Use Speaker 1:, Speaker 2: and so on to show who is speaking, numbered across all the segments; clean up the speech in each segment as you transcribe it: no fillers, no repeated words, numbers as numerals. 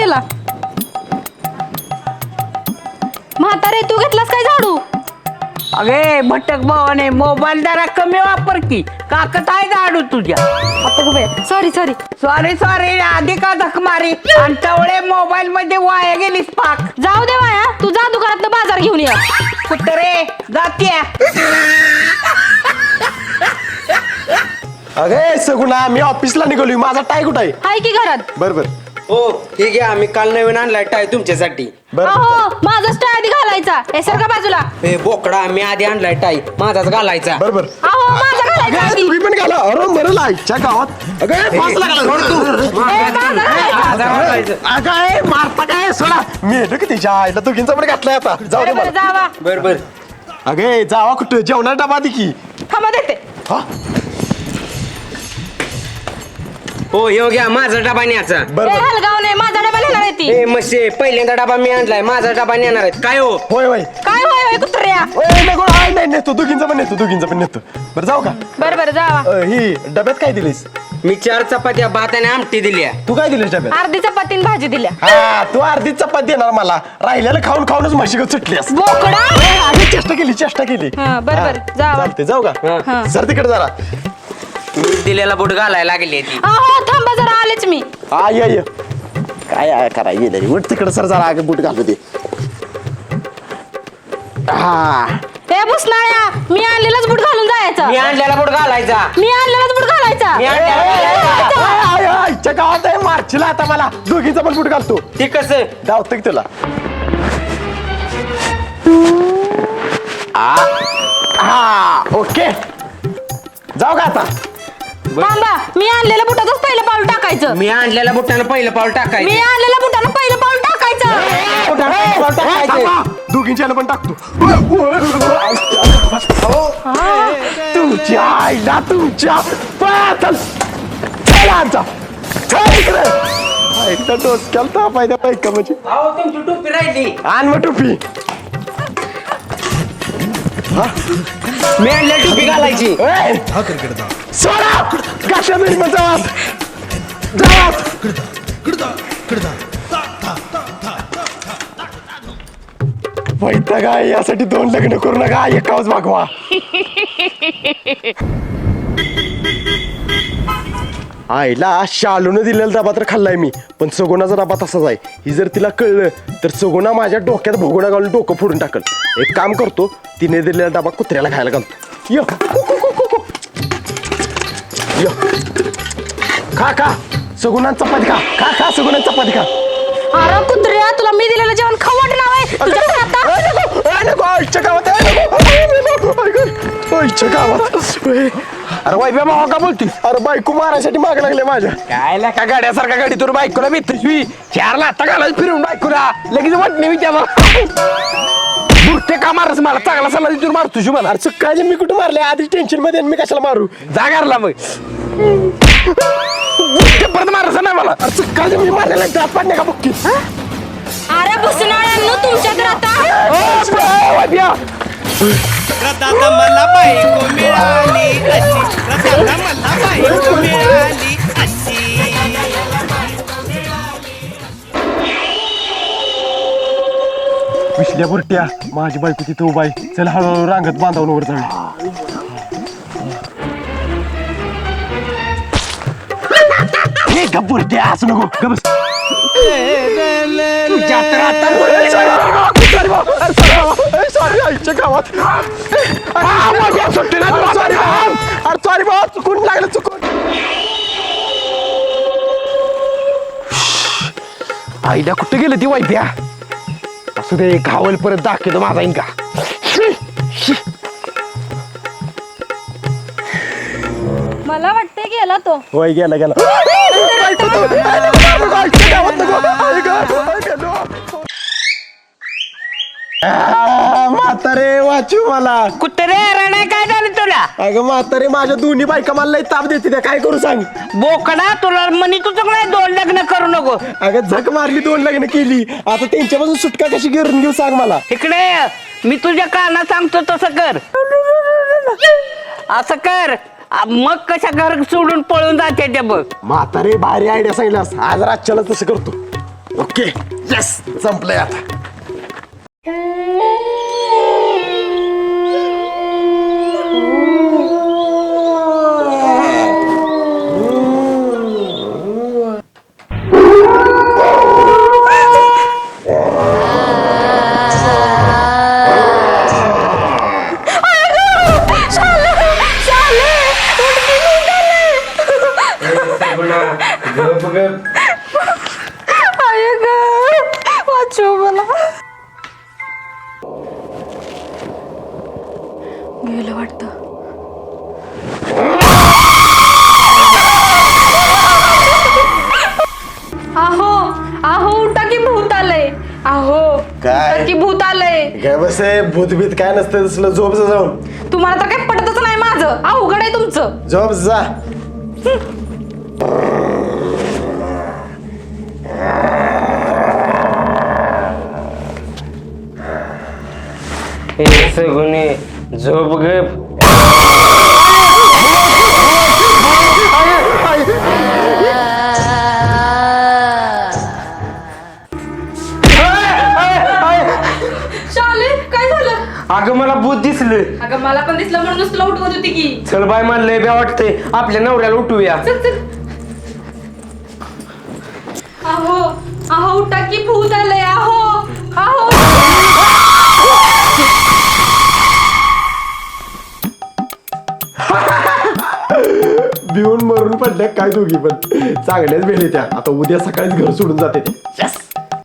Speaker 1: गेला. म्हातारे तू घेतलास काय झाडू?
Speaker 2: अगे भटक भावाने मोबाईल जरा कमी वापर की काकत आहे झाडू तुझ्या.
Speaker 1: Sorry sorry.
Speaker 2: सॉरी सॉरी आधी का धक मारी आणि तेवढे मोबाईल मध्ये वाया गेलीस पाक.
Speaker 1: जाऊ दे माया, तू जा दुकानात बाजार घेऊन ये.
Speaker 2: कुत्रे जाते.
Speaker 3: अगे सगुणा मी ऑफिसला निघालोय. माझा टाय कुठं आहे?
Speaker 1: हाय की घरात.
Speaker 3: बरोबर
Speaker 4: हो ठीक आहे. आम्ही काल नवीन आणलाय टाय तुमच्यासाठी.
Speaker 1: अहो माझाच टाय आधी घालायचा. हे सर का बाजूला.
Speaker 4: हे बोकडा आम्ही आधी आणलाय टाय माझाच घालायचा.
Speaker 3: बरोबर.
Speaker 1: अहो माझा घालायचा आधी.
Speaker 3: तुम्ही पण घाला. अरे बरं लाईटच्या गावात अगं फासला घाला.
Speaker 1: माझा घालायचा.
Speaker 3: अगं मारता काय सोडा. मी येतो की तिच्या आईला दोघींचा पण घातलाय आता. जाऊ दे
Speaker 1: बरं,
Speaker 3: मला.
Speaker 1: जावा.
Speaker 4: बर बर.
Speaker 3: अगे जावा कुठं जेवणार डबा दे की.
Speaker 1: थांबा देते.
Speaker 3: हा
Speaker 4: हो येऊ घ्या माझा डबा न्यायचा.
Speaker 3: बरं
Speaker 1: ए
Speaker 3: बरं.
Speaker 1: हलगाव नाही, माझा डबा नेणार आहे ती.
Speaker 4: ए मसे पहिल्यांदा डबा मी आणलाय माझा डबा नेणार आहेत काय हो.
Speaker 3: होय होय.
Speaker 1: काय होय होय कुत्र्या.
Speaker 3: ओय नको हाय नाही नेतो दोघींचा पण नेतो. बरं जाऊ का?
Speaker 1: बरं बरं जावा.
Speaker 3: ही डब्यात काय दिलीस?
Speaker 4: मी 4 चपात्या भात आणि आमटी दिल्या.
Speaker 3: तू काय दिलीस डब्यात?
Speaker 1: अर्धी चपातीन भाजी दिल्या.
Speaker 3: हा तू अर्धी चपाती देणार मला. राहिलेलं खाऊन खाऊनच म्हशी सुटलीस.
Speaker 1: बोकडा.
Speaker 3: अगं चेष्टा केली.
Speaker 1: हा, बरं, बरं, जावा.
Speaker 3: चालते जाऊ
Speaker 4: हा.
Speaker 3: का? सर तिकडे जरा.
Speaker 4: मी दिलेला बुट घालायला लागली ती.
Speaker 1: अहो थांबा जरा आलेच मी.
Speaker 3: ये काय करायला गेलं उठ तिकडे सर जरा आगे बूट घालू दे. हा
Speaker 1: ए बुसनाळ्या, मी आणलेलाच बूट घालून जायचा.
Speaker 4: मी आणलेला बुट घालायचा.
Speaker 1: मी आणलेलाच बूट घालायचा.
Speaker 4: मी आणलेला
Speaker 3: आईच्या गावात आहे मार्चला आता मला दोघीचा पण बूट घालतो.
Speaker 4: ते कसं.
Speaker 3: धावतो की तुला. हा ओके जाऊ का आता?
Speaker 1: थांबा, मी आणलेल्या बुटातच पहिलं पाऊल टाकायचं.
Speaker 4: मी आणलेल्या बुटानं पहिलं पाऊल
Speaker 1: मी
Speaker 4: टाकायचं.
Speaker 1: आणलेल्या बुटानं पहिलं पाऊल टाकायचं.
Speaker 3: दोघींच्याला पण टाकतो. तुमच्या आईला तुमच्या चल आमचा आईला डोसक्याला ताप आहे त्या बायका म्हणजे.
Speaker 4: अहो तुमची टोपी राहिली.
Speaker 3: आण मग टोपी.
Speaker 4: मी आणलेली टोपी घालायची.
Speaker 3: सोडा काश्मीर मध्ये वैता काय यासाठी 2 लग्न करू नका एकाच भागवा. आईला शालून दिलेला डबा तर खाल्लाय मी पण सगुणाचा डबा तसाच आहे. ही जर तिला कळलं तर सगुणा माझ्या डोक्यात भोगोणा घालून डोकं फोडून टाकल. एक काम करतो तिने दिलेला डबा कुत्र्याला खायला घालतो. य य खा सगुणा चपाती खा सगुणा चपाती खा.
Speaker 1: अरे कुत्र्या, तुला मी दिलेलं जेवण खाऊ वाटणार आहे. तुझ्या हातात.
Speaker 3: अरे वाईब्या भावा का बोलती? अरे बायको मारायसाठी माग लागले माझ्या.
Speaker 4: काय का गाड्यासारखा गाडी तुला बायकोला भेटतोय. 4 लाथा घालायला फिरून बायकोला लगेच वाटणे मी त्याला बुरटे का मारस मला चांगला सल्ला तुला मार तुझी मला.
Speaker 3: अरे काय मी कुठे मारले आधी टेन्शन मध्ये मी कशाला मारू?
Speaker 4: जागारला मग परत मारस नाही मला.
Speaker 3: अरे काय मी मारलेला त्यात पाडणे का बुक्की.
Speaker 1: अरे बुसनाळ्यांनो तुमच्या तर आता.
Speaker 5: रदादा मला बायको मिळाली अशी. रदादा मला बायको मिळाली अशी.
Speaker 3: विसल्या बुरट्या माझी बायको तिथे उभा आहे. चल हळूहळू रांगत बांधावून वर जाऊया. हे गप बुरट्या असं नको गबस. सॉरी आईच्या गावात सॉरी बाबा चुकून लागलं चुकून. आईला कुठं गेलं ती वाईप्या. असू दे घावल परत दाखवतो माझा इंका.
Speaker 1: मला वाटतंय गेला तो.
Speaker 3: वय गेला म्हातारे वाचू मला.
Speaker 2: कुत्रे रडाय काय झालं तुला?
Speaker 3: अगं म्हातारे माझ्या दोन्ही बायका मला लई ताप देते त्या. काय करू सांग?
Speaker 2: बोकडा तुला म्हणी तुझं नाही 2 लग्न करू नको.
Speaker 3: अगं झक मारली 2 लग्न केली. आता त्यांच्यापासून सुटका कशी घेऊन घेऊ सांग मला.
Speaker 2: इकडे ये. मी तुझ्या कानात सांगतो तसं कर. असं कर मग कशा घर सोडून पळून जाते ते बघ.
Speaker 3: म्हातारे भारी आयडिया सांगितलास. आज रातच्याला तसं करतो. ओके यस संपलंय आता.
Speaker 1: वाचव मला. गेलं वाटतं. आहो आहो उठा की भूत आलंय. आहो
Speaker 3: काय?
Speaker 1: उठा की भूत आलंय.
Speaker 3: काय बस भूतभीत काय नसतं तसलं. झोप जा जाऊन.
Speaker 1: तुम्हाला तर काही पटतच नाही माझं. अवघड आहे तुमचं.
Speaker 3: झोप जा.
Speaker 2: सगुने झोप गप.
Speaker 1: शाले काय झालं?
Speaker 2: अगं मला भूत दिसलं.
Speaker 1: अगं मला पण दिसलं म्हणूनच तुला उठवत होती की.
Speaker 2: चल बाय म्हणलंय बे वाटतंय आपल्या नवऱ्याला उठूया.
Speaker 1: चल चल. आहो आहो उठा की भूत आलंय. आहो आहो.
Speaker 3: भिवून मरून पडल्या काय दोघी पण. चांगल्याच भेटले त्या. आता उद्या सकाळीच घर सोडून जाते ते. Yes.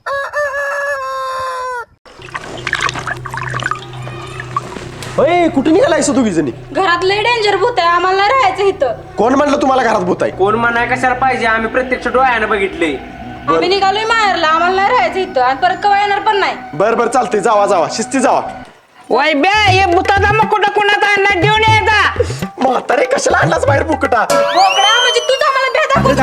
Speaker 3: ओय कुठे निघालाय दोघी जणी?
Speaker 1: घरात लय डेंजर भूत आहे. आम्हाला नाही राहायचं इथं.
Speaker 3: कोण म्हणलं तुम्हाला घरात भूत आहे?
Speaker 2: कोण म्हणाय कशाला पाहिजे, आम्ही प्रत्यक्ष डोळ्यानं बघितले.
Speaker 1: आम्ही निघालोय माहेरला. आम्हाला नाही राहायचं इथं आणि परत कवा येणार पण नाही.
Speaker 3: बर बर चालतंय. जावा जावा शिस्ती जावा.
Speaker 2: वय बे हे भूताचा मकुटा कुणाचा आणला देऊन यायचा.
Speaker 3: म्हातारे कशाला आणलाच बाहेर बुकटा?
Speaker 1: बोकडा म्हणजे तूच आम्हाला भेदा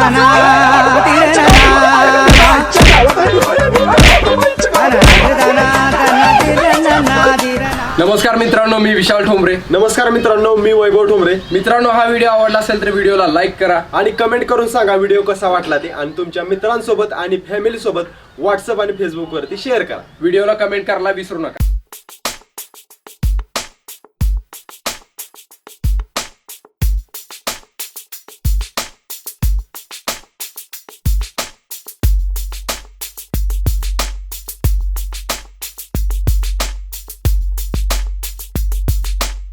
Speaker 4: नमस्कार मित्रांनो, मी विशाल ठोंबरे.
Speaker 3: नमस्कार मित्रांनो, मी वैभव ठोंबरे.
Speaker 4: मित्रांनो, हा व्हिडिओ आवडला असेल तर व्हिडिओला लाईक करा
Speaker 3: आणि कमेंट करून सांगा व्हिडिओ कसा वाटला ते. आणि तुमच्या मित्रांसोबत आणि फॅमिली सोबत व्हॉट्सअप आणि फेसबुक वरती शेअर करा.
Speaker 4: व्हिडिओला कमेंट करायला विसरू नका.